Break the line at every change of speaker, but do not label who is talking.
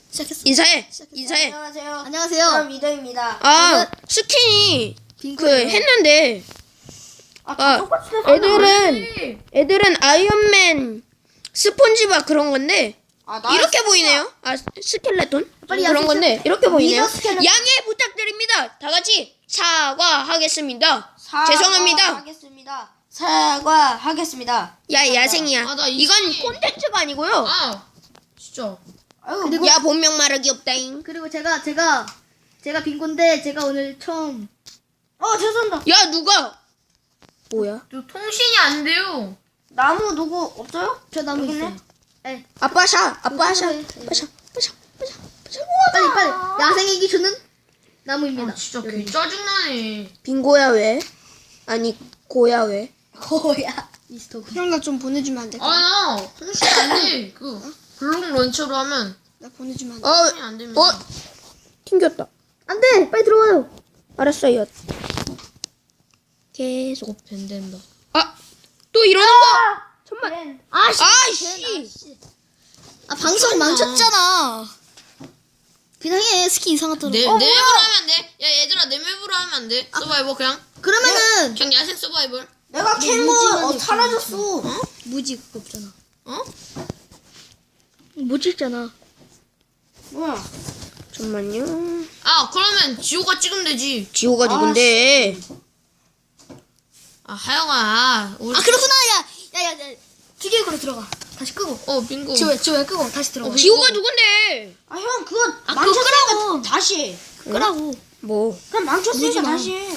시작했어.
인사해.
시작했어.
인사해.
안녕하세요.
안녕하세요.
저는 미더입니다.
아, 스킨이 그
빙고예요.
했는데 아,
똑같이 돼서
애들은 아이언맨, 스폰지밥 그런 건데
나
이렇게 보이네요. 아, 스켈레톤
빨리
그런
야생
건데 이렇게 보이네요.
미더 스켈레톤.
양해 부탁드립니다. 다 같이 사과하겠습니다. 죄송합니다.
사과하겠습니다. 사과하겠습니다.
야, 야생이야.
아, 나이
이건
스킨-
콘텐츠가 아니고요.
아 진짜
아유,
그리고
야, 본명 말하기 없다잉.
그리고 제가 빙고인데 제가 오늘 처음
죄송합니다.
야, 누가? 뭐야?
저 통신이 안 돼요.
나무 누구 없어요?
저 나무
여기 있네.
있어요. 네.
아빠 샷. 아빠 샷.
네.
아빠 샷. 아빠 샷. 아빠 샷. 아빠 샷.
빨리 야생의 기준은 나무입니다.
아 진짜 개 짜증나네.
빙고야 왜? 아니 고야 왜?
뭐야? 미스터고.
형 나 좀 보내주면 안 돼?
나 통신이 안 돼. 그 블록 런처로 하면
나 보내주면 안 돼?
통신이 안 됩니다.
튕겼다.
안돼, 빨리 들어와요.
알았어요. 계속.
곧 밴된다.
아, 또 이러는 거.
정말.
아씨.
아 방송 망쳤잖아. 그냥 해. 스킨 이상하더라.
내 맵으로 하면 안 돼? 야 얘들아 내 맵으로 하면 안 돼? 서바이벌 그냥
그러면은
그냥 야생 서바이벌.
내가 캔거 사라졌어.
무지 그거 없잖아.
어?
못 찍잖아.
뭐야?
잠만요.
아 그러면 지호가 찍으면 되지.
지호가 누군데?
아 하영아. 우리
아 그렇구나. 야. 튀길 거로 들어가. 다시 끄고.
빙고.
지호야 끄고 다시 들어가.
지호가 누군데?
형 그거
그거
망쳤으니까
끄라고.
다시 해.
끄라고.
뭐?
그럼 망쳤으니까 다시 해.